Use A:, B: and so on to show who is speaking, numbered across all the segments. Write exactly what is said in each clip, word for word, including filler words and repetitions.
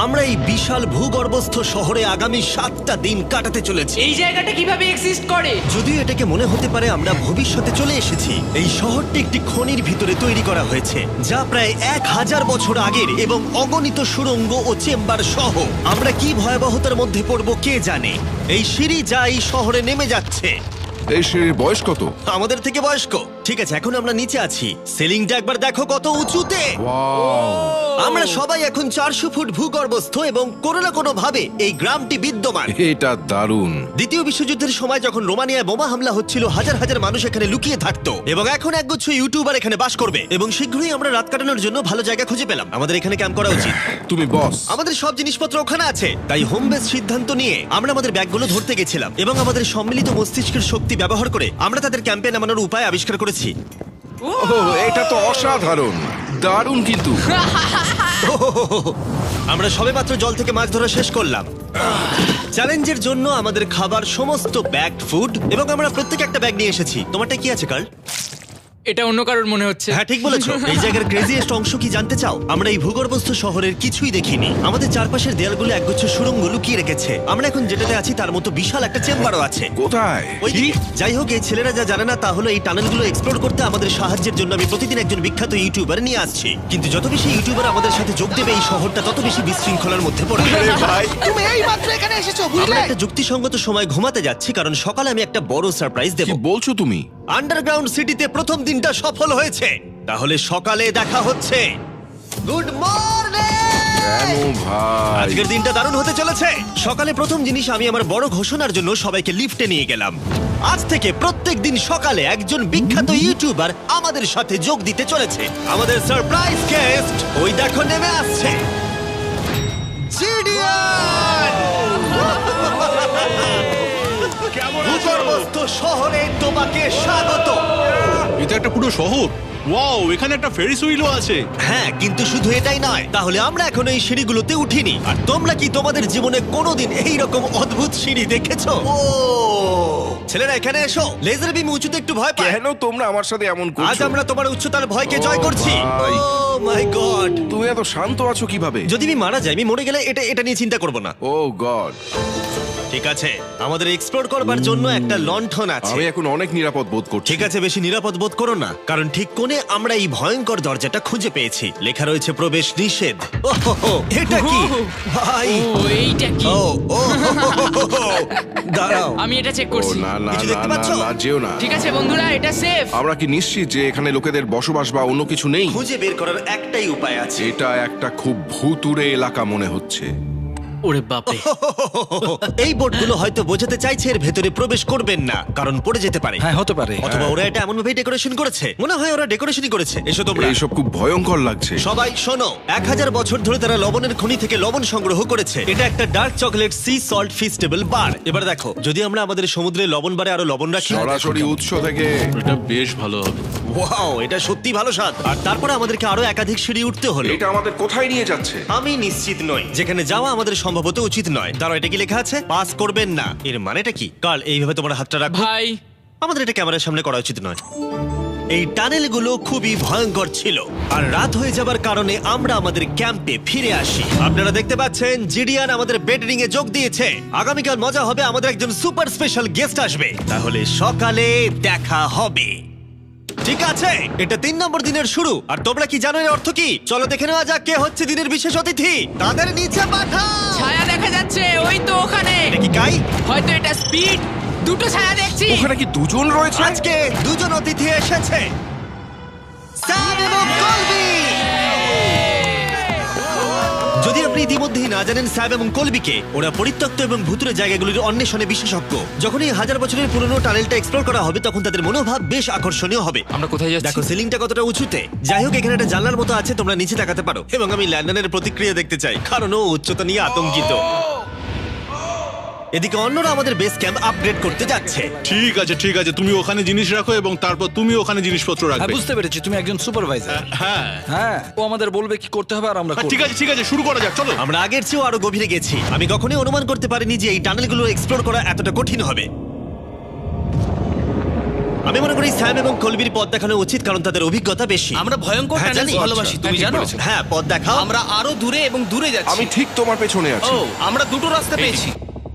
A: আমরা এই বিশাল ভূগর্ভস্থ শহরে আগামী সাতটা দিন কাটাতে চলেছি।
B: এই জায়গাটা কিভাবে এক্সিস্ট করে?
A: যদিও এটাকে মনে হতে পারে আমরা ভবিষ্যতে চলে এসেছি, এই শহরটি একটি খনির ভিতরে তৈরি করা হয়েছে যা প্রায় এক হাজার বছর আগের এবং অগণিত সুড়ঙ্গ ও চেম্বার সহ। আমরা কি ভয়াবহতার মধ্যে পড়ব কে জানে। এই সিঁড়ি যা এই শহরে নেমে যাচ্ছে
C: এই সিঁড়ির বয়স কত?
A: আমাদের থেকে বয়স্ক। ঠিক আছে, এখন আমরা নিচে আছি। সিলিংটা একবার দেখো কত উঁচুতে। আমরা সবাই এখন চারশো ফুট ভূগর্ভস্থ এবং কোনো না কোনো ভাবে এই গ্রামটি বিদ্যমান।
C: এটা দারুণ।
A: দ্বিতীয় বিশ্বযুদ্ধের সময় যখন রোমানিয়ায় বোমা হামলা হচ্ছিল, হাজার হাজার মানুষ এখানে লুকিয়ে থাকতো এবং এখন একগুচ্ছ ইউটিউবার এখানে বাস করবে। এবং শীঘ্রই আমরা রাত কাটানোর জন্য ভালো জায়গা খুঁজে পেলাম। আমাদের এখানে ক্যাম্প করা উচিত।
C: তুমি বস।
A: আমাদের সব জিনিসপত্র ওখানে আছে, তাই হোম বেস সিদ্ধান্ত নিয়ে আমরা আমাদের ব্যাগগুলো ধরতে গেছিলাম এবং আমাদের সম্মিলিত মস্তিষ্কের শক্তি ব্যবহার করে আমরা তাদের ক্যাম্পে নামানোর উপায় আবিষ্কার করেছি।
C: ওহ, এটা তো অসাধারণ, দারুণ। কিন্তু
A: আমরা সবেমাত্র জল থেকে মাছ ধরা শেষ করলাম। চ্যালেঞ্জের জন্য আমাদের খাবার সমস্ত ব্যাগড ফুড এবং আমরা প্রত্যেকে একটা ব্যাগ নিয়ে এসেছি। তোমারটা কি আছে কার্ল?
B: এটা অন্য কারোর মনে হচ্ছে।
A: হ্যাঁ, ঠিক বলেছো। এই জায়গার ক্রেজিয়েস্ট অংশ কি জানতে চাও? আমরা এই ভূগর্ভস্থ শহরের কিছুই দেখিনি। আমাদের চারপাশের দেয়ালগুলো একগুচ্ছ সুড়ঙ্গ লুকিয়ে রেখেছে। আমরা এখন যেটাতে আছি তার মতো বিশাল একটা চেম্বারও আছে।
C: কোথায়?
A: ওইদিকে। যাই হোক, এই ছেলেরা যা জানে না তা হলো এই টানেলগুলো এক্সপ্লোর করতে আমাদের সাহায্যের জন্য আমি প্রতিদিন একজন বিখ্যাত ইউটিউবার নিয়ে আসছি। কিন্তু যত বেশি ইউটিউবার আমাদের সাথে যোগ দেবে এই শহরটা তত বেশি বিশৃঙ্খলার মধ্যে পড়বে। ভাই,
D: তুমি এই মাত্র এখানে এসেছো,
A: আমরা
D: বুঝলে?
A: একটা যুক্তিসঙ্গত সময় ঘুমাতে যাচ্ছি কারণ সকালে আমি একটা বড় সারপ্রাইজ দেব।
C: কি বলছো তুমি?
A: আন্ডারগ্রাউন্ড সিটিতে প্রথম দিনটা সফল হয়েছে। তাহলে সকালে দেখা হচ্ছে। Good morning.
C: কেন ভাই?
A: আজকের দিনটা দারুণ হতে চলেছে। সকালে প্রথম জিনিস, আমি আমার বড় ঘোষণার জন্য সবাইকে লিফটে নিয়ে গেলাম। আজ থেকে প্রত্যেক দিন সকালে একজন বিখ্যাত ইউটিউবার আমাদের সাথে যোগ দিতে চলেছে। আমাদের সারপ্রাইজ গেস্ট ওই দেখো নেমে আসছে, জিডিয়ান। ভূগর্ভস্থ শহরে তোমাকে স্বাগত।
E: এটা একটা পুরো শহর। ওয়াও, এখানে একটা ফেরিস হুইলও আছে।
A: হ্যাঁ, কিন্তু শুধু এটাই নয়। তাহলে আমরা এখন এই সিঁড়িগুলোতে উঠিনি। আর তোমরা কি তোমাদের জীবনে কোনোদিন এই রকম অদ্ভুত সিঁড়ি দেখেছো? ও ছেলেরা, এখানে এসো। লেজার বিম উঁচুতে একটু ভয় পায়।
C: কেন তোমরা আমার সাথে এমন
A: আজ
C: করছো?
A: আমরা তোমার উচ্চতার ভয়কে জয়
C: ও
A: করছি।
C: ভাই।
A: Oh my God.
C: তুমি এত শান্ত আছো কিভাবে?
A: যদি আমি মারা যাই, আমি মরে গেলে এটা এটা নিয়ে চিন্তা করব না।
C: Oh God.
A: ঠিক আছে, আমাদের এক্সপ্লোর করবার জন্য একটা লণ্ঠন আছে।
C: আমি এখন অনেক নিরাপদ বোধ করছি।
A: ঠিক আছে, বেশি নিরাপদ বোধ করো না, কারণ ঠিক কোণে আমরা এই ভয়ঙ্কর দরজাটা খুঁজে পেয়েছি। লেখা রয়েছে প্রবেশ নিষেধ। ওহো, এটা কি ভাই?
B: ও এইটা কি?
A: ও ও দাঁড়াও,
B: আমি এটা চেক
C: ও
B: করছি।
C: না না
A: কিছু
C: না
A: দেখতে
C: না
A: পাচ্ছো?
C: না, যেও না।
B: ঠিক আছে বন্ধুরা, এটা সেফ।
C: আমরা কি নিশ্চিত যে এখানে লোকেদের বসবাস বা অন্য কিছু নেই?
A: খুঁজে বের করার একটাই উপায় আছে।
C: এটা একটা খুব ভুতুড়ে এলাকা মনে হচ্ছে।
B: ওরে বাপরে।
A: এই বোর্ডগুলো হয়তো বোঝাতে চাইছে এর ভেতরে প্রবেশ করবেন না, কারণ পড়ে যেতে পারে।
D: হ্যাঁ, হতে পারে।
A: অথবা ওরা এটা এমন ভাবে ডেকোরেশন করেছে, মনে হয় ওরা ডেকোরেশনই করেছে। এসো তোমরা।
C: এইসব খুব ভয়ঙ্কর লাগছে।
A: সবাই শোনো, এক হাজার বছর ধরে তারা লবণের খনি থেকে লবণ সংগ্রহ করেছে। এটা একটা dark chocolate sea salt Feastable bar. এবার দেখো, যদি আমরা আমাদের সমুদ্রে লবণ বারে আরো লবণ রাখি।
C: সরাসরি উৎস থেকে।
E: এটা বেশ ভালো হবে।
A: ওয়াও, এটা সত্যি ভালো স্বাদ। আর তারপরে আমাদেরকে আরো একাধিক সিঁড়ি উঠতে হলো।
C: এটা আমাদের কোথায় নিয়ে যাচ্ছে?
A: আমি নিশ্চিত নই। যেখানে যাওয়া আমাদের সম্ভবত উচিত নয়। দাঁড়াও, এটা কি লেখা আছে? পাস করবেন না। এর মানেটা কি? কাল এইভাবে তোমার হাতটা রাখো।
B: ভাই,
A: আমাদের এটা ক্যামেরার সামনে করা উচিত নয়। এই টানেলগুলো খুবই ভয়ঙ্কর ছিল। আর রাত হয়ে যাবার কারণে আমরা আমাদের ক্যাম্পে ফিরে আসি। আপনারা দেখতে পাচ্ছেন জিডিয়ান আমাদের বেডরিং এ যোগ দিয়েছে। আগামীকাল মজা হবে, আমাদের একজন সুপার স্পেশাল গেস্ট আসবে। তাহলে সকালে দেখা হবে। ঠিক আছে, এটা তিন নম্বর দিনের শুরু। আর তোমরা কি জানো এর অর্থ কি? চলো দেখে নেওয়া যাক কে হচ্ছে দিনের বিশেষ অতিথি। তাদের নিচে পাঠাও।
B: ছায়া দেখা যাচ্ছে ওই তো ওখানে।
A: এটা কি কাই?
B: হয়তো এটা স্পিড। দুটো ছায়া দেখছি।
C: ওখানে কি দুজন রয়েছে?
A: আজকে দুজন অতিথি এসেছে, স্যাম এবং কলবি। যদি আপনি ইতিমধ্যেই না জানেন স্যাম এবং কলবিকে, ওরা পরিত্যক্ত এবং ভুতুরে জায়গাগুলির অন্বেষণে বিশেষজ্ঞ। যখন এই হাজার বছরের পুরনো টানেলটা এক্সপ্লোর করা হবে, তখন তাদের মনোভাব বেশ আকর্ষণীয় হবে।
D: আমরা কোথায় যাচ্ছি?
A: দেখো সিলিংটা কতটা উঁচুতে। যাই হোক, এখানে একটা জানলার মতো আছে, তোমরা নিচে তাকাতে পারো। এবং আমি ল্যান্ডনের প্রতিক্রিয়া দেখতে চাই, কারণ ও উচ্চতা নিয়ে আতঙ্কিত। এদিকে অন্যরা আমাদের বেস ক্যাম্প আপগ্রেড করতে যাচ্ছে।
E: ঠিক আছে ঠিক আছে, তুমি ওখানে জিনিস রাখো এবং তারপর তুমি ওখানে জিনিসপত্র
D: হ্যাঁ,
E: রাখবে।
D: বুঝতে পেরেছি, তুমি একজন সুপারভাইজার।
E: হ্যাঁ
D: হ্যাঁ, ও আমাদের বলবে কি করতে হবে আর আমরা
E: হ্যাঁ,
D: করব।
E: ঠিক আছে ঠিক আছে, শুরু করা যাক, চলো।
A: আমরা আগের চেয়েও আরো গভীরে গেছি। আমি কখনোই অনুমান করতে পারিনি যে এই টানেলগুলো এক্সপ্লোর করা এতটা কঠিন হবে। আমি মনে করি স্যাম এবং কলবির পথ দেখানো উচিত, কারণ তাদের অভিজ্ঞতা বেশি।
F: আমরা ভয়ঙ্কর
A: হ্যাঁ,
F: টানেল
A: জানি।
F: ভালোবাসি, তুমি জানো?
A: হ্যাঁ, পথ দেখাও।
F: আমরা আরো দূরে এবং দূরে যাচ্ছি।
C: আমি ঠিক তোমার পেছনে আছি।
F: ও, আমরা দুটো রাস্তা পেয়েছি।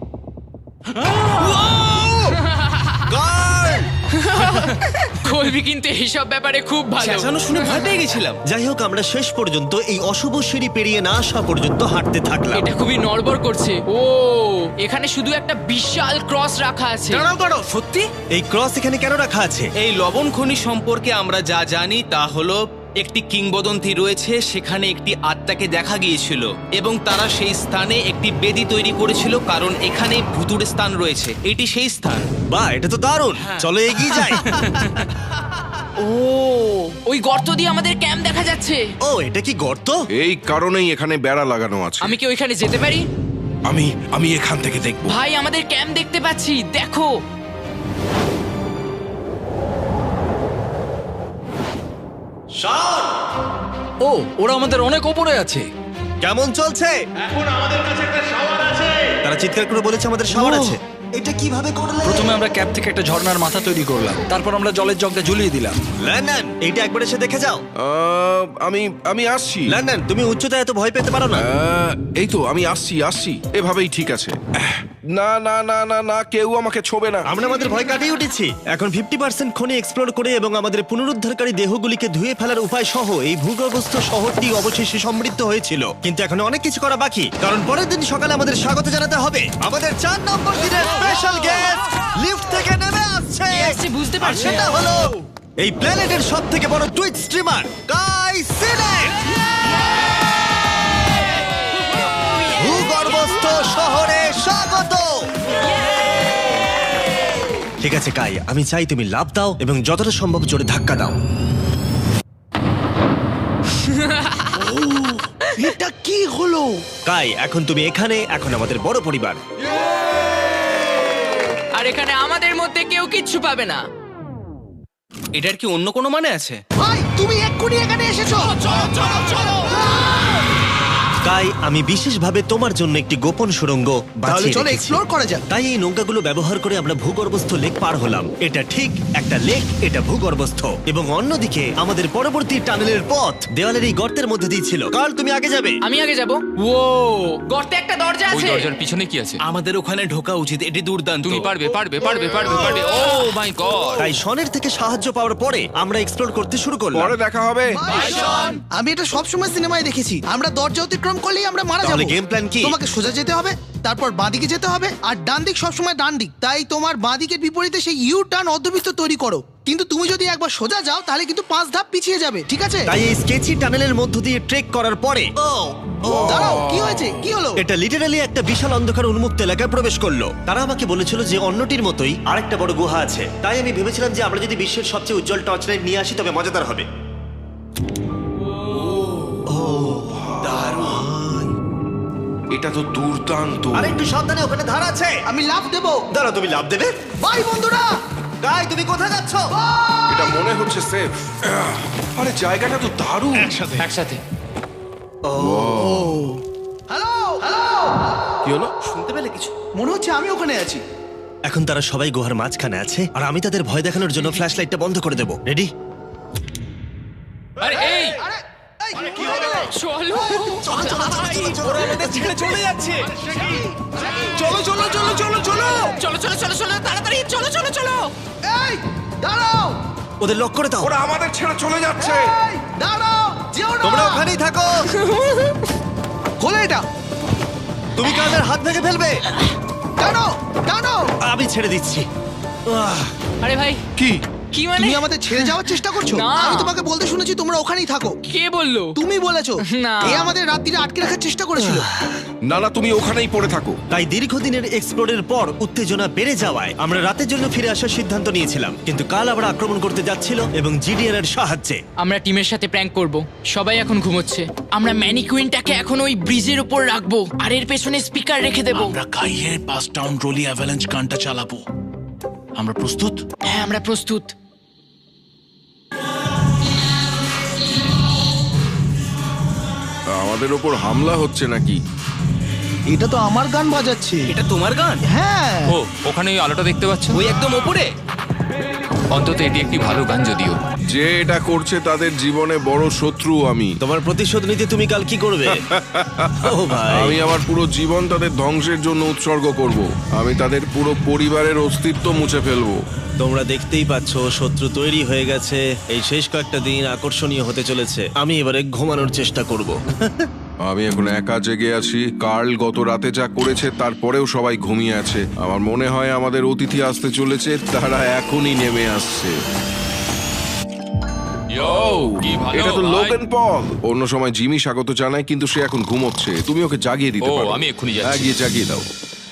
A: Guard!
B: কলবি কিন্তু এইসব ব্যাপারে খুব ভালো।
F: চেঁচানো শুনে ভয় পেয়ে গেছিলাম।
A: যাই হোক, আমরা শেষ পর্যন্ত এই অশুভ সিঁড়ি পেরিয়ে না আসা পর্যন্ত হাঁটতে থাকলাম।
B: এটা খুবই নড়বড় করছে। ও, এখানে শুধু একটা বিশাল ক্রস রাখা আছে।
F: দাঁড়াও দাঁড়াও, সত্যি?
A: এই ক্রস এখানে কেন রাখা আছে?
F: এই লবণ খনি সম্পর্কে আমরা যা জানি তা হলো একটি কিংবদন্তি রয়েছে, সেখানে একটি আত্মাকে দেখা গিয়েছিল এবং তারা সেই স্থানে একটি বেদি তৈরি করেছিল, কারণ এখানে ভুতুড়ে স্থান রয়েছে। এটি সেই স্থান।
A: বাহ, এটা তো দারুণ। চলো এগিয়ে যাই।
B: ও, ওই গর্ত দিয়ে আমাদের ক্যাম্প দেখা যাচ্ছে।
A: ও, এটা কি গর্ত?
C: এই কারণেই এখানে বেড়া লাগানো আছে।
B: আমি কি ওইখানে যেতে পারি?
C: আমি আমি এখান থেকে দেখব।
B: ভাই, আমাদের ক্যাম্প দেখতে পাচ্ছি, দেখো।
D: ও, ওরা আমাদের অনেক ওপরে আছে।
A: কেমন চলছে? এখন আমাদের কাছে একটা শাওয়ার আছে। তারা চিৎকার করে বলেছে আমাদের শাওয়ার আছে। এটা কিভাবে করলে?
D: প্রথমে আমরা ক্যাপ থেকে একটা ঝর্ণার মাথা তৈরি করলাম, তারপর আমরা জলের জগটা ঝুলিয়ে দিলাম।
A: লন্ডন, এইটা একবার এসে দেখে যাও।
C: আহ, আমি আমি আসছি।
A: লন্ডন, তুমি উচ্চতায় এত ভয় পেতে পারো না।
C: আহ, এই তো আমি আসছি আসছি এভাবেই ঠিক আছে। আহ, না না না না না কেউ আমাকে ছোবে না।
A: আমরা আমাদের ভয় কাটিয়ে উঠেছি। এখন ফিফটি পার্সেন্ট খনি এক্সপ্লোর করে এবং আমাদের পুনরুদ্ধারকারী দেহগুলিকে ধুয়ে ফেলার উপায় সহ এই ভূগর্ভস্থ শহরটি অবশেষে সমৃদ্ধ হয়েছিল। কিন্তু এখন অনেক কিছু করা বাকি, কারণ পরের দিন সকালে আমাদের স্বাগত জানাতে হবে আমাদের চার নম্বর দিনের স্পেশাল গেস্ট লিফট থেকে নেমে আসছে।
B: কে আসছে বুঝতে
A: আর
B: পারছি
A: সেটা
B: না।
A: হলো এই প্ল্যানেটের সব থেকে বড় টুইট স্ট্রিমার কাই সিনেট। ভূগর্ভস্থ শহরে স্বাগত। ঠিক আছে কাই, আমি চাই তুমি লাফ দাও এবং যতটা সম্ভব জোরে ধাক্কা দাও।
G: এটা কি হলো?
A: কাই, এখন তুমি এখানে, এখন আমাদের বড় পরিবার।
B: আর এখানে আমাদের মধ্যে কেউ কিচ্ছু পাবে না।
F: এটার কি অন্য কোনো মানে আছে?
G: ভাই, তুমি এক্ষুনি এখানে এসেছো। চলো চলো চলো।
A: কাই, আমি বিশেষভাবে তোমার জন্য একটি গোপন সুড়ঙ্গ
G: তাহলে
A: বাছিয়ে
G: চলো
A: রেখেছি।
G: এক্সপ্লোর করা যাক।
A: তাই এই নৌকাগুলো ব্যবহার করে আমরা ভূগর্ভস্থ লেক পার হলাম। এটা ঠিক একটা লেক, এটা ভূগর্ভস্থ, এবং অন্যদিকে আমাদের পরবর্তী টানেলের পথ দেওয়ালের এই গর্তের মধ্যে দিয়ে ছিল। কাল, তুমি আগে যাবে।
B: আমি আগে যাব। ও, গর্তে একটা দরজা
H: ওই
B: আছে।
H: দরজার পিছনে কি আছে?
F: আমাদের ওখানে ঢোকা উচিত, এটি দুর্দান্ত।
H: তুমি পারবে পারবে পারবে পারবে পারবে। Oh my God!
A: তাই শনের থেকে সাহায্য পাওয়ার পরে আমরা এক্সপ্লোর করতে শুরু করলাম।
C: পরে দেখা হবে।
G: আমি এটা সবসময় সিনেমায় দেখেছি, আমরা দরজা অতিক্রম করলেই আমরা মারা
A: তাহলে
G: যাবো।
A: game plan কি?
G: তোমাকে সোজা যেতে হবে, তারপর বাঁদিকে যেতে হবে, আর ডান দিক সবসময় ডান দিক। তাই তোমার বাঁদিকের বিপরীতে সেই ইউ টার্ন অর্ধবৃত্ত তৈরি করো। কিন্তু তুমি যদি একবার সোজা যাও তাহলে কিন্তু পাঁচ ধাপ পিছিয়ে যাবে, ঠিক আছে?
A: তাই এই স্কেচি টানেলের মধ্য দিয়ে ট্রেক করার পরে
G: দাঁড়াও, কি হয়েছে? কি হলো?
A: এটা লিটারালি একটা বিশাল অন্ধকার উন্মুক্ত এলাকায় প্রবেশ করলো। তারা আমাকে বলেছিল যে অন্যটির মতোই আরেকটা বড় গুহা আছে। তাই আমি ভেবেছিলাম যে আমরা যদি বিশ্বের সবচেয়ে উজ্জ্বল টর্চ লাইট নিয়ে আসি তবে মজাদার হবে।
C: এটা তো দুর্দান্ত।
A: আর একটু সাবধানে, ওখানে ধার আছে।
G: আমি লাফ দেবো।
A: দাঁড়াও, তুমি লাভ দেবে?
G: বাই বন্ধুরা।
A: গাই, তুমি কোথায় যাচ্ছ?
C: এটা মনে হচ্ছে সেফ। আরে জায়গাটা তো দারুণ।
H: একসাথে।
G: হ্যালো হ্যালো,
C: কি হলো?
F: শুনতে পেলে কিছু?
G: মনে হচ্ছে আমি ওখানে আছি।
A: এখন তারা সবাই গুহার মাঝখানে আছে, আর আমি তাদের ভয় দেখানোর জন্য ফ্ল্যাশ লাইটটা বন্ধ করে দেবো। রেডি?
H: আরে এই
G: আরে এই, কি
B: চলো।
F: ওরা আমাদের ছেড়ে চলে যাচ্ছে। চলো চলো চলো চলো চলো।
B: চলো চলো চলো চলো, তাড়াতাড়ি চলো চলো চলো।
G: এই দাঁড়াও,
A: ওদের লক করে দাও।
C: ওরা আমাদের ছেড়ে চলে যাচ্ছে।
G: এই দাঁড়াও, যেও না।
A: তোমরা ওখানেই থাকো।
G: খোলো এটা।
A: তুমি কানের হাত ভেঙে ফেলবে।
G: টানো টানো।
A: আমি ছেড়ে দিচ্ছি। আহ,
B: আরে ভাই,
C: কি?
B: কি মানে?
G: তুমি আমাদের ছেড়ে যাওয়ার চেষ্টা করছো?
B: না।
G: আমি তোমাকে বলতে শুনেছি তোমরা ওখানেই থাকো।
B: কে বললো?
G: তুমি বলেছো।
B: না।
G: এ আমাদের রাত্রিরে আটকে রাখার চেষ্টা করেছিল।
C: না না তুমি ওখানেই পড়ে থাকো।
A: তাই দীর্ঘদিনের এক্সপ্লোরের পর উত্তেজনা বেড়ে যাওয়ায় আমরা রাতের জন্য ফিরে আসার সিদ্ধান্ত নিয়েছিলাম। কিন্তু কাল আবার আক্রমণ করতে যাচ্ছিল এবং জিডিএন এর সাহায্যে।
B: আমরা টিমের সাথে প্র্যাঙ্ক করব। সবাই এখন ঘুমোচ্ছে। আমরা ম্যানিকুইনটাকে এখন ওই ব্রিজের উপর রাখবো আর এর পেছনে স্পিকার রেখে দেব।
E: আমরা কাইয়ের পাস টাউন রোলি অ্যাভালাঞ্চ গানটা চালাবো। আমরা প্রস্তুত?
B: হ্যাঁ, আমরা প্রস্তুত।
C: আমাদের ওপর হামলা হচ্ছে নাকি?
G: এটা তো আমার গান বাজাচ্ছে।
F: এটা তোমার গান?
G: হ্যাঁ।
H: ও ওখানে ওই আলোটা দেখতে পাচ্ছ?
F: ওই একদম ওপরে।
H: অন্তত এটি একটি ভালো গান যদিও।
C: যে এটা করছে তাদের জীবনে বড় শত্রু আমি।
A: তোমার প্রতিশোধ নিতে তুমি কাল কি করবে? ও ভাই,
C: আমি আমার পুরো জীবন তাদের ধ্বংসের জন্য উৎসর্গ করব। আমি তাদের পুরো পরিবারের অস্তিত্ব মুছে ফেলবো।
A: তোমরা দেখতেই পাচ্ছ শত্রু তৈরি হয়ে গেছে। এই শেষ কয়েকটা দিন আকর্ষণীয় হতে চলেছে। আমি এবারে ঘুমানোর চেষ্টা করব।
C: আমি এখন একা জেগে আছি। কার্ল গত রাতে যা করেছে তারপরেও সবাই ঘুমিয়ে আছে। আমার মনে হয় আমাদের অতিথি আসতে চলেছে, তারা এখনই নেমে আসছে।
H: কি ভালো
C: এটা তো
H: ভাই।
C: Logan Paul. অন্য সময় জিমি স্বাগত জানায়, কিন্তু সে এখন ঘুমোচ্ছে। তুমি ওকে জাগিয়ে দিতে
H: ও,
C: পারো।
H: আমি এক্ষুনি যাচ্ছি।
C: হ্যাঁ, গিয়ে জাগিয়ে দাও।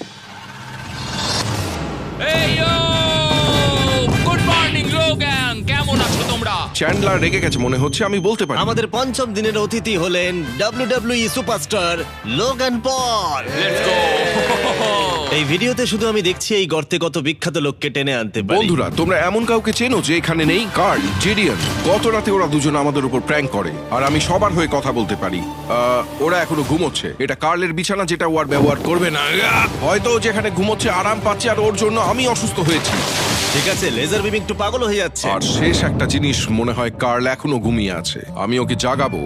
H: এই ইয়ো! গুড মর্নিং লোগান, কেমন আছো তোমরা?
C: চ্যান্ডলার রেগে গেছে মনে হচ্ছে, আমি বলতে পারি।
A: আমাদের পঞ্চম দিনের অতিথি হলেন WWE superstar Logan Paul.
H: Let's go!
A: এই ভিডিওতে শুধু আমি দেখছি এই গর্তে কত বিখ্যাত লোককে টেনে আনতে পারি।
C: বন্ধুরা, তোমরা এমন কাউকে চেনো যে এখানে নেই? Karl, Jidion. গত রাতে ওরা দুজন আমাদের উপর প্র্যাঙ্ক করে, আর আমি সবার হয়ে কথা বলতে পারি। আহ, ওরা এখনো ঘুমোচ্ছে। এটা কার্লের বিছানা, যেটা ও আর ব্যবহার করবে না। আহ! হয়তো ও যেখানে ঘুমোচ্ছে আরাম পাচ্ছে, আর ওর জন্য আমি অসুস্থ হয়েছি।
A: ঠিক আছে, লেজার বিম একটু পাগল হয়ে যাচ্ছে।
C: আর শেষ একটা জিনিস, মনে হয় কার্ল এখনো ঘুমিয়ে আছে। আমি ওকে জাগাবো।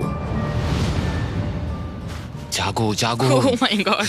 H: জাগো জাগো।
B: ও মাই গড!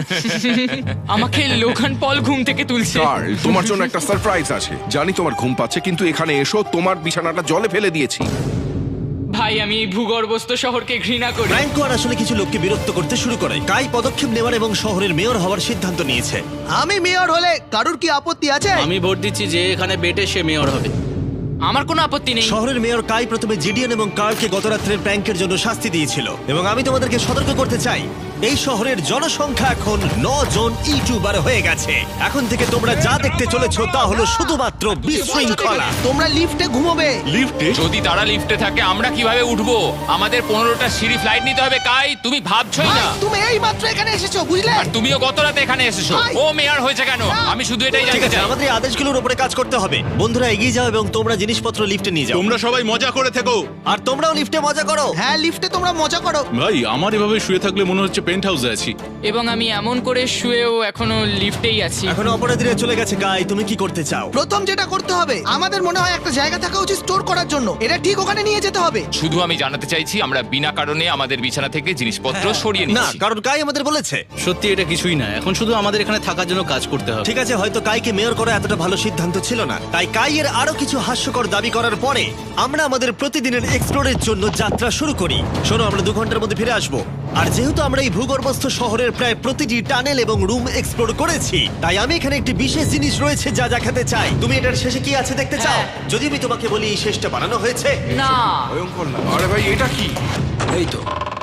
B: আমাকে লোগান পল ঘুম থেকে তুলছে।
C: কার্ল, তোমার জন্য একটা সারপ্রাইজ আছে। জানি তোমার ঘুম পাচ্ছে, কিন্তু এখানে এসো, তোমার বিছানাটা জলে ফেলে দিয়েছি।
B: ভাই, আমি এই ভূগর্ভস্থ শহরকে ঘৃণা করি।
A: ফ্র্যাঙ্কো আর আসলে কিছু লোককে বিরক্ত করতে শুরু করে। কাই পদক্ষেপ নেওয়ার এবং শহরের মেয়র হওয়ার সিদ্ধান্ত নিয়েছে।
G: আমি মেয়র হলে কারুর কি আপত্তি আছে?
D: আমি ভোট দিচ্ছি যে এখানে বেটে সে মেয়র হবে।
B: আমার কোনো আপত্তি নেই।
A: শহরের মেয়র কাই প্রথমে জিডিএন এবং কার্লকে গত রাত্রের প্র্যাঙ্কের জন্য শাস্তি দিয়েছিল, এবং আমি তোমাদেরকে সতর্ক করতে চাই, এই শহরের জনসংখ্যা এখন ন জন ইউটিউবার হয়ে গেছে। এখন থেকে তোমরা যা দেখতে চলেছো তা হলো শুধুমাত্র বিশৃঙ্খলা।
G: তোমরা লিফটে ঘুমোবে।
H: যদি তারা লিফটে থাকে আমরা কিভাবে উঠবো? আমাদের পনেরোটা সিঁড়ি ফ্লাইট নিতে হবে। কাই, তুমি ভাবছোই
G: ভাই,
H: না।
G: তুমি এই মাত্র এখানে এসেছো, বুঝলে?
H: আর তুমিও গত রাতে এখানে এসেছো।
G: ভাই!
H: ও মেয়র হয়েছে কেন? আমি শুধু এটাই
A: ঠিক
H: জানতে
A: আছে,
H: চাই।
A: আমাদের এই আদেশগুলোর উপরে কাজ করতে হবে। বন্ধুরা, এগিয়ে যাও এবং তোমরা জিনিসপত্র লিফটে নিয়ে যাও।
I: তোমরা সবাই মজা করে থেকো।
A: আর তোমরাও লিফটে মজা করো।
G: হ্যাঁ, লিফটে তোমরা মজা করো।
I: ভাই, আমার এভাবে শুয়ে থাকলে মনে হচ্ছে পেন্ট হাউসে আছি।
B: এবং আমি এমন করে শুয়েও এখনো লিফটেই আছি।
A: এখন অপরাধীরা চলে গেছে। কাই, তুমি কি করতে চাও?
G: প্রথম যেটা করতে হবে, আমাদের মনে হয় একটা জায়গা থাকা উচিত স্টোর করার জন্য। এটা ঠিক ওখানে নিয়ে যেতে হবে।
H: শুধু আমি জানাতে চাইছি আমরা বিনা কারণে আমাদের বিছানা থেকে জিনিসপত্র সরিয়ে
A: না,
H: নিচ্ছি।
A: কারণ কাই আমাদের বলেছে।
D: সত্যি এটা কিছুই না, এখন শুধু আমাদের এখানে থাকার জন্য কাজ করতে হবে।
A: ঠিক আছে, হয়তো কাইকে মেয়র করা এতটা ভালো সিদ্ধান্ত ছিল না। তাই কাইয়ের আরো কিছু হাস্যকর দাবি করার পরে আমরা আমাদের প্রতিদিনের এক্সপ্লোরের জন্য যাত্রা শুরু করি। শোনো, আমরা দু ঘন্টার মধ্যে ফিরে আসবো। আর যেহেতু আমরা এই ভূগর্ভস্থ শহরের প্রায় প্রতিটি টানেল এবং রুম এক্সপ্লোর করেছি, তাই আমি এখানে একটি বিশেষ জিনিস রয়েছে যা দেখাতে চাই। তুমি এটার শেষে কি আছে দেখতে চাও?
B: হ্যাঁ।
A: যদি আমি তোমাকে বলি এই শেষটা বানানো হয়েছে।
B: না,
C: ভয়ঙ্কর না? আরে ভাই, এটা কি?
D: এই তো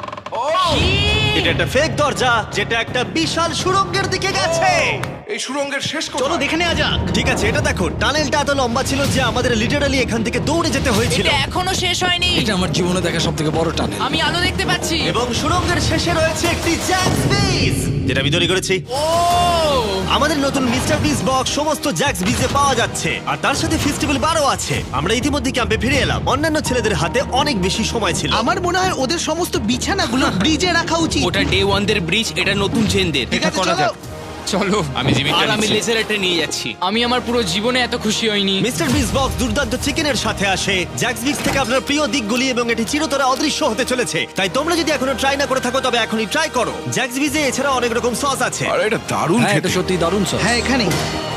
A: এটা একটা ফেক দরজা, যেটা একটা বিশাল সুড়ঙ্গের দিকে গেছে।
C: এই সুড়ঙ্গের শেষ
G: চলো
C: কোথায়?
G: দেখে নেওয়া যাক।
A: ঠিক আছে, এটা দেখো, টানেলটা এত লম্বা ছিল যে আমাদের লিটারালি এখান থেকে দৌড়ে যেতে হয়েছিল।
B: এটা এখনো শেষ হয়নি।
D: এটা আমার জীবনে দেখা সব থেকে বড় টানেল।
B: আমি আলো দেখতে পাচ্ছি।
A: এবং সুড়ঙ্গের শেষে রয়েছে একটি জ্যাক্স বিজ, যেটা আমি তৈরি করেছি।
B: ও,
A: আমাদের নতুন মিস্টার বিস বক্স সমস্ত জ্যাক্স বিজে পাওয়া যাচ্ছে, আর তার সাথে ফেস্টিভ্যাল বারও আছে। আমরা ইতিমধ্যে ক্যাম্পে ফিরে এলাম। অন্যান্য ছেলেদের হাতে অনেক বেশি সময় ছিল।
G: আমার মনে হয় ওদের সমস্ত বিছানাগুলো ব্রিজে রাখা উচিত।
F: ওটা ডে ওয়ান দের ব্রিজ, এটা নতুন চেনদের।
G: ঠিক আছে, চলো।
H: চলো, আমি জিমিটা
F: আর আমি
H: নিচ্ছি।
F: লেজার এটা নিয়ে যাচ্ছি।
B: আমি আমার পুরো জীবনে এত খুশি হইনি।
A: মিস্টার বিস বক্স দুর্দান্ত চিকেনের সাথে আসে, জ্যাক্স বিক্স থেকে আপনার প্রিয় দিকগুলি, এবং এটি চিরতরে অদৃশ্য হতে চলেছে। তাই তোমরা যদি এখনো ট্রাই না করে থাকো তবে এখনই ট্রাই করো। জ্যাক্স বিজে এছাড়া অনেক রকম সস আছে।
C: আরে এটা দারুণ
D: হ্যাঁ, এটা
C: খেতে।
D: সত্যি দারুণ সব।
G: হ্যাঁ, এখানে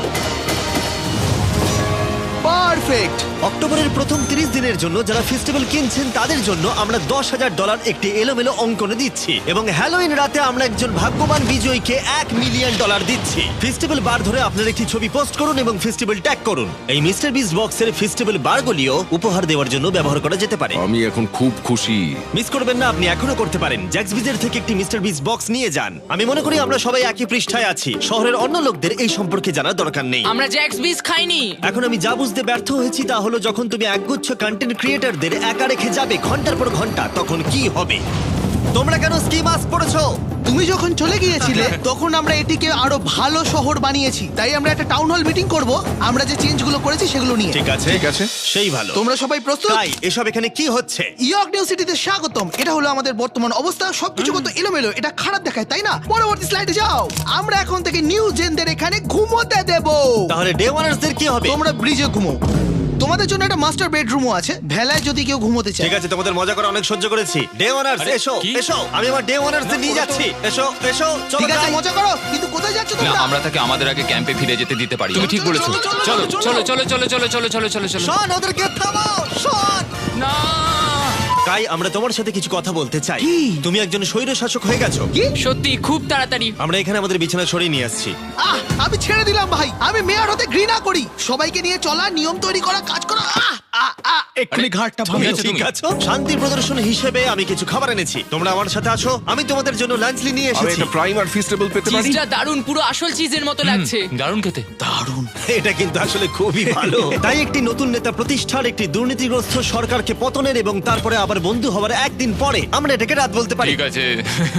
G: পারফেক্ট।
A: অক্টোবরের প্রথম তিরিশ দিনের জন্য যারা ফেস্টিভ্যাল কিনছেন তাদের জন্য আমরা দশ হাজার ডলার একটি এলোমেলো অঙ্কনে দিচ্ছি, এবং হ্যালোইন রাতে আমরা একজন ভাগ্যবান বিজয়ীকে এক মিলিয়ন ডলার দিচ্ছি। ফেস্টিভ্যাল বার ধরে আপনার একটি ছবি পোস্ট করুন এবং ফেস্টিভ্যাল ট্যাগ করুন। এই মিস্টার বিস বক্সের ফেস্টিভ্যাল বারগুলিও উপহার দেওয়ার জন্য ব্যবহার করা যেতে পারে।
C: আমি এখন খুব খুশি।
A: মিস করবেন না, আপনি এখনো করতে পারেন। জ্যাক্স বিজের থেকে একটি মিস্টার বিস বক্স নিয়ে যান। আমি মনে করি আমরা সবাই একই পৃষ্ঠায় আছি। শহরের অন্য লোকদের এই সম্পর্কে জানার দরকার নেই।
B: আমরা জ্যাক্স বিস খাইনি।
A: এখন আমি যা বুঝতে ব্যর্থ হয়েছি তা হলো, যখন তুমি একগুচ্ছ কন্টেন্ট ক্রিয়েটরদের একা রেখে যাবে ঘন্টার পর ঘন্টা, তখন কি হবে? তোমরা কেন স্কি মাস্ক পরেছো?
G: তুমি যখন চলে গিয়েছিলে তখন আমরা এটিকে আরো ভালো শহর বানিয়েছি। তাই আমরা একটা টাউন হল মিটিং করব, আমরা যে চেঞ্জগুলো করেছি সেগুলো নিয়ে।
A: ঠিক আছে,
C: ঠিক আছে।
A: সেই ভালো।
G: তোমরা সবাই প্রস্তুত?
A: তাই এসব এখানে কি হচ্ছে?
G: ইয়র্ক নিউ সিটিতে স্বাগতম। এটা হলো আমাদের বর্তমান অবস্থা। সবকিছু কত এলোমেলো, এটা খারাপ দেখায়, তাই না? পরবর্তী স্লাইডে যাও। আমরা এখন থেকে নিউ জেনদের এখানে ঘুমোতে দেব।
A: তাহলে ডে ওয়ানার্সদের কি হবে?
G: তোমরা ব্রিজে ঘুমো। তোমাদের জন্য একটা মাস্টার বেডরুমও আছে, ভেলায় যদি কেউ ঘুমোতে চায়।
A: ঠিক আছে, তোমাদের মজা করে অনেক সহ্য করেছি। ডে ওয়ানার্স
H: আরে,
A: এসো
H: কি?
A: এসো, আমি আমার ডে ওয়ানার্স নিয়ে যাচ্ছি। এসো এসো, চলো
G: ঠিক আছে,
A: যাই।
G: মজা করো, কিন্তু কোথায় যাচ্ছ
H: না
G: তোমরা?
H: আমরা তাকে আমাদের আগে ক্যাম্পে ফিরে যেতে দিতে পারি
B: তুমি ঠিক বলেছো।
H: চলো চলো চলো চলো চলো চলো চলো চলো চলো
A: শন, ওদেরকে থামাও, শন।
H: না
A: কাই, আমরা তোমার সাথে কিছু কথা বলতে চাই। তুমি একজন স্বৈর শাসক হয়ে গেছো।
B: সত্যি খুব তাড়াতাড়ি।
A: আমরা এখানে আমাদের বিছানা সরিয়ে নিয়ে আসছি।
G: আহ, আমি ছেড়ে দিলাম ভাই, আমি মেয়র হতে ঘৃণা করি। সবাইকে নিয়ে চলা, নিয়ম তৈরি করা, কাজ করা। আহ, আহ, আহ।
D: এক্ষুনি ঘাটটা
H: তুমি
D: ভাঙো।
H: আছো
A: ঠিক
H: তুমি?
A: আছে, শান্তি প্রদর্শন হিসেবে আমি কিছু খাবার এনেছি। তোমরা আমার সাথে আসো, আমি তোমাদের জন্য লাঞ্চ নিয়ে
C: আমি
A: এসেছি।
C: একটা প্রাইম আর ফিস্টেবল পেতে পারি?
B: চিজটা দারুণ, পুরো আসল চিজের মতো লাগছে।
H: দারুণ খেতে
A: এটা কিন্তু আসলে খুবই ভালো। তাই একটি নতুন নেতা প্রতিষ্ঠার, একটি দুর্নীতিগ্রস্ত সরকারকে পতনের এবং তারপরে আবার বন্ধু হওয়ার একদিন পরে আমরা এটাকে রাত বলতে পারি।
H: ঠিক আছে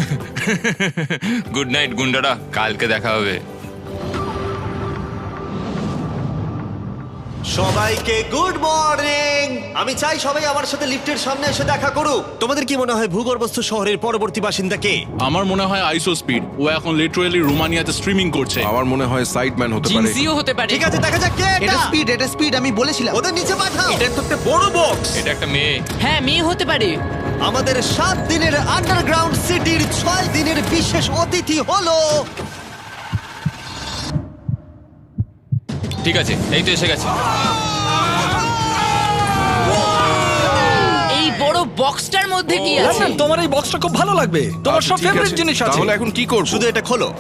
H: গুড নাইট গুন্ডারা, কালকে দেখা হবে।
A: সবাইকে গুড মর্নিং। আমি চাই সবাই আমার সাথে লিফটের সামনে এসে দেখা করুক। তোমাদের কি মনে হয় ভূগর্ভস্থ শহরের পরবর্তী বাসিন্দা কে?
I: আমার মনে হয় আইসো স্পিড, ও এখন লিটারালি রোমানিয়াতে স্ট্রিমিং করছে।
C: আমার মনে হয় সাইডম্যান হতে পারে।
B: জিনজিও হতে পারে।
A: ঠিক আছে, দেখা যাক কে
G: এটা
A: এটা।
G: স্পিড, এটা স্পিড, আমি বলেছিলাম।
A: ওদের নিচে পাঠাও।
F: এটা তো একটা বড় বক্স।
H: এটা একটা মেয়ে।
B: হ্যাঁ, মেয়ে হতে পারে।
A: আমাদের সাত দিনের আন্ডারগ্রাউন্ড সিটির ছয় দিনের বিশেষ অতিথি হলো
H: ঠিক আছে, এই তো এসে গেছে।
B: এই বড় বক্সটার মধ্যে কি আছে?
D: লন্ডন, তোমার এই বক্সটা খুব ভালো লাগবে, তোমার
C: আচ্ছা,
D: সব
C: ঠিক
D: ফেভারিট
C: আছে।
D: জিনিস আছে।
C: তাহলে এখন কি করব?
A: শুধু এটা খোলো।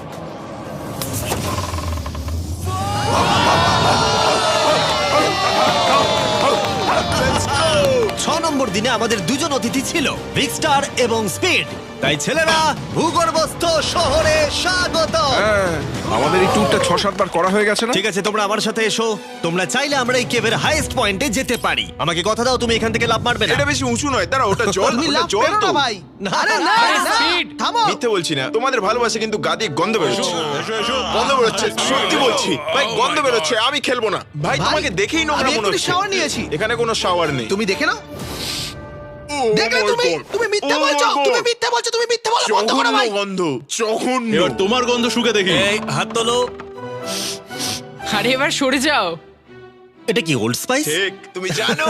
A: ছ নম্বর দিনে আমাদের দুজন অতিথি ছিল, বিগ স্টার এবং স্পিড। তাই ছেলেরা, ভূগর্ভস্থ শহরে স্বাগত।
C: হ্যাঁ, আমাদের এই ট্যুরটা ছ সাতবার করা হয়ে গেছে না?
A: ঠিক আছে, তোমরা আমার সাথে এসো। তোমরা চাইলে আমরা এই কেভের হাইয়েস্ট পয়েন্টে যেতে পারি। আমাকে কথা দাও, তুমি এখান থেকে লাফ মারবে না।
J: এটা বেশি উঁচু নয়, দাঁড়া, ওটা জল,
G: তুমি
J: ওটা
G: লাভ
J: জল
G: পেরো
J: তো।
G: না ভাই। আরে না,
H: আরে,
G: না,
H: speed।
G: থামো।
J: মিথ্যে বলছি না, তোমাদের ভালোবাসে কিন্তু গাদি গন্ধ বেরোচ্ছে। গন্ধ বেরোচ্ছে, সত্যি বলছি ভাই, গন্ধ বেরোচ্ছে। আমি খেলবো না ভাই,
G: ভাই,
J: তোমাকে দেখেই নোংরা
G: আমি
J: মনে
G: এক্ষুনি
J: হচ্ছে।
G: shower নিয়েছি।
J: এখানে কোনো শাওয়ার নেই।
G: তুমি দেখে নাও।
J: ও,
G: দেখলে
J: my
G: তুমি,
J: God!
G: তুমি মিথ্যে
J: Oh my
G: বলছো,
J: God!
G: তুমি মিথ্যে বলছো, তুমি মিথ্যে বলা বন্ধ করো
J: জঘন্য
G: ভাই।
J: গন্ধ, জঘন্য।
I: এবার তোমার গন্ধ শুকে দেখি।
A: এই হাত তোলো।
B: আরে এবার সরে যাও।
A: এটা কি ওল্ড স্পাইস?
J: ঠিক, তুমি জানো।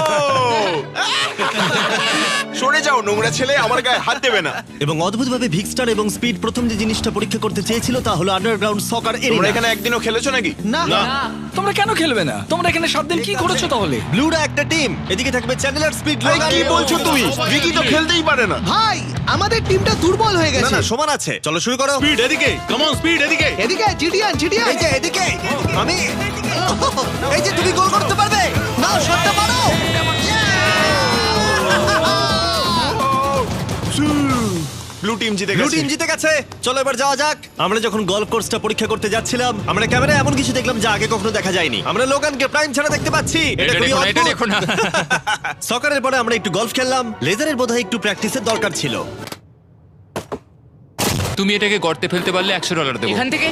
J: সরে যাও নোংরা ছেলে, আমার গায়ে হাত দেবে না।
A: এবং অদ্ভুতভাবে ভিক্সটার এবং স্পিড প্রথম যে জিনিসটা পরীক্ষা করতে চেয়েছিল তা হলো আন্ডারগ্রাউন্ড সকার
J: তোমরা
A: এরিয়া।
J: এখানে একদিনও খেলেছো নাকি?
G: না,
D: তোমরা কেন খেলবে না? তোমরা এখানে সাত দিন কি করেছো তাহলে?
A: ব্লুরা একটা টিম, এদিকে থাকবে চ্যানেলার, স্পিড,
J: ভাই,
A: লোগান।
J: কি বলছো তুমি? ভিকি তো খেলতেই পারে না।
G: ভাই, আমাদের টিমটা দুর্বল হয়ে
A: না
G: গেছে।
A: না, সমান আছে। চলো শুরু করো।
I: স্পিড এদিকে, কাম অন স্পিড এদিকে।
G: এদিকে জিডিয়ান, জিডিয়ান।
A: এই যে এদিকে, আমি এই যে তুমি গোল করতে পারবে না, শটটা মারো।
J: ব্লু টিম জিতে
A: ব্লু
J: গেছে।
A: টিম জিতে গেছে। চলো এবার যাওয়া যাক। আমরা যখন গলফ কোর্সটা পরীক্ষা করতে যাচ্ছিলাম, আমরা ক্যামেরায় এমন কিছু দেখলাম যা আগে কখনো দেখা যায়নি। আমরা লোগানকে প্রাইম ছাড়া দেখতে পাচ্ছি। এটা
H: এটা
A: খুবই
H: দেখো না, এটা
A: অদ্ভুত।
H: দেখো না।
A: সকারের পরে আমরা একটু গলফ খেললাম। লেজারের বোধহয় একটু প্র্যাকটিসের দরকার ছিল।
H: তুমি এটাকে গর্তে ফেলতে পারলে একশো ডলার দেবো।
B: এখান থেকে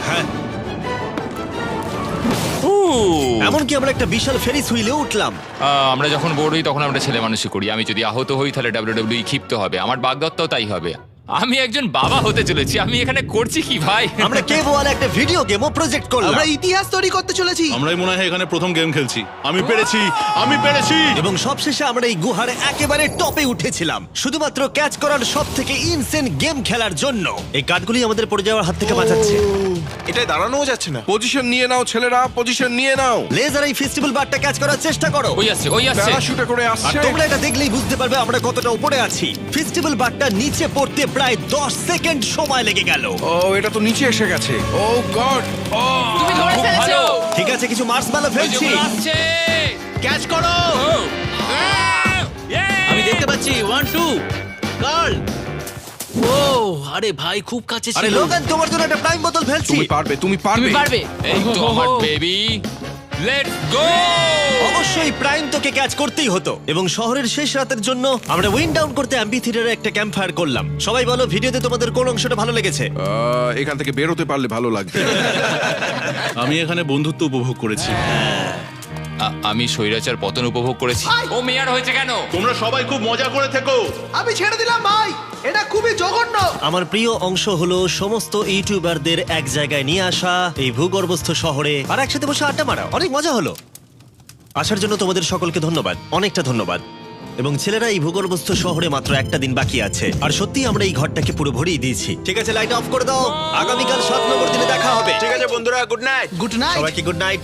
H: ও,
A: এমনকি আমরা একটা বিশাল ফেরিস হুইলে উঠলাম।
H: আহ, আমরা যখন বোর হই তখন আমরা ছেলে মানুষই করি। আমি যদি আহত হই তাহলে ডাব্লিউডাব্লিউই ক্ষিপ্ত হবে। আমার বাগদত্তাও তাই হবে। আমি একজন বাবা হতে চলেছি। আমি এখানে করছি কি ভাই?
A: আমরা কেভ ওয়ালে একটা ভিডিও গেমও প্রজেক্ট করলাম
G: আমরা ইতিহাস তৈরি করতে চলেছি।
I: আমরাই মনে হয় এখানে প্রথম গেম খেলছি। আমি পেরেছি, আমি পেরেছি।
A: এবং সবশেষে আমরা এই গুহার একেবারে টপে উঠেছিলাম শুধুমাত্র ক্যাচ করার সব থেকে ইনসেন গেম খেলার জন্য। এই কাঠগুলি আমাদের পড়ে যাওয়ার হাত থেকে বাঁচাচ্ছে।
J: এটাই দাঁড়ানোও যাচ্ছে না।
C: পজিশন নিয়ে নাও ছেলেরা, পজিশন নিয়ে নাও।
A: লেজার এই ফেস্টিভ্যাল বারটা ক্যাচ করার চেষ্টা করো।
H: ওই আসছে, ওই আসছে।
C: প্যারাশুটে করে
A: আর
C: আসছে।
A: তোমরা এটা দেখলেই বুঝতে পারবে আমরা কতটা উপরে আছি। ফেস্টিভ্যাল বারটা নিচে পড়তে প্রায় দশ সেকেন্ড সময় লেগে গেল।
C: ও, এটা তো নিচে এসে গেছে। ও গড। ও,
B: তুমি ধরে
H: খুব
B: ফেলেছো।
H: ভালো।
A: ঠিক আছে, কিছু মার্সম্যালো
H: ওই যে
A: ফেলছি।
H: ওগুলো আসছে।
F: ক্যাচ করো।
H: ও, আহ, yeah!
F: আমি দেখতে পাচ্ছি ওয়ান টু গার্ল। ও আরে ভাই, খুব কাছে
A: আরে
F: ছিল।
A: লোগান, তোমার জন্য একটা প্রাইম বোতল ফেলছি।
C: তুমি পারবে, তুমি পারবে।
B: তুমি পারবে।
H: এই তো আমার বেবি। Let's go.
A: অবশ্যই প্রাইম তোকে ক্যাচ করতেই হতো। এবং শহরের শেষ রাতের জন্য আমরা উইন্ড ডাউন করতে অ্যাম্পি থিয়েটারে একটা ক্যাম্প ফায়ার করলাম। সবাই বলো ভিডিওতে তোমাদের কোন অংশটা ভালো লেগেছে?
C: আহ, এখান থেকে বেরোতে পারলে ভালো লাগবে।
I: আমি এখানে বন্ধুত্ব উপভোগ করেছি।
H: আমি স্বৈরাচার পতন উপভোগ করেছি। ও মেয়ার হয়েছে কেন?
I: তোমরা সবাই খুব মজা করে থেকো।
G: আমি ছেড়ে দিলাম ভাই, এটা খুবই জঘন্য।
A: আমার প্রিয় অংশ হলো সমস্ত ইউটিউবারদের এক জায়গায় নিয়ে আসা এই ভূগর্ভস্থ শহরে আর একসাথে বসে আড্ডা মারা। অনেক মজা হলো। আসার জন্য তোমাদের সকলকে ধন্যবাদ, অনেকটা ধন্যবাদ। এবং ছেলেরা, এই ভূগর্ভস্থ শহরে মাত্র একটা দিন বাকি আছে, আর সত্যি আমরা এই ঘরটাকে পুরো ভরিয়ে দিয়েছি। ঠিক আছে, লাইট অফ করে দাও। আগামীকাল সাত নম্বর দিনে দেখা হবে।
J: ঠিক আছে বন্ধুরা, গুড নাইট।
G: Good night.
A: সবাইকে গুড নাইট।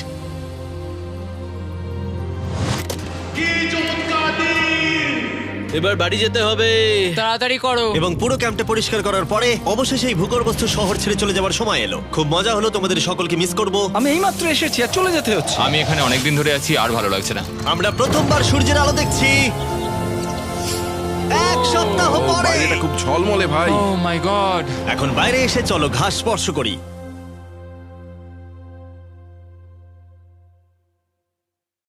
F: এবার বাড়ি যেতে হবে।
B: তাড়াতাড়ি করো।
A: এবং পুরো ক্যাম্পটা পরিষ্কার করার পরে অবশেষে এই ভূগর্ভস্থ শহর ছেড়ে চলে যাওয়ার সময় এলো। খুব মজা হলো, তোমাদের সকলকে মিস করব।
D: আমি এইমাত্র এসেছি আর চলে যেতে হচ্ছে।
H: আমি এখানে অনেকদিন ধরে আছি, আর ভালো লাগছে না।
A: আমরা প্রথমবার সূর্যের আলো দেখছি এক সপ্তাহ
C: ও,
A: পরে।
C: বাইরেটা খুব ঝলমলে ভাই।
H: Oh my God.
A: এখন বাইরে এসে চলো ঘাস স্পর্শ করি।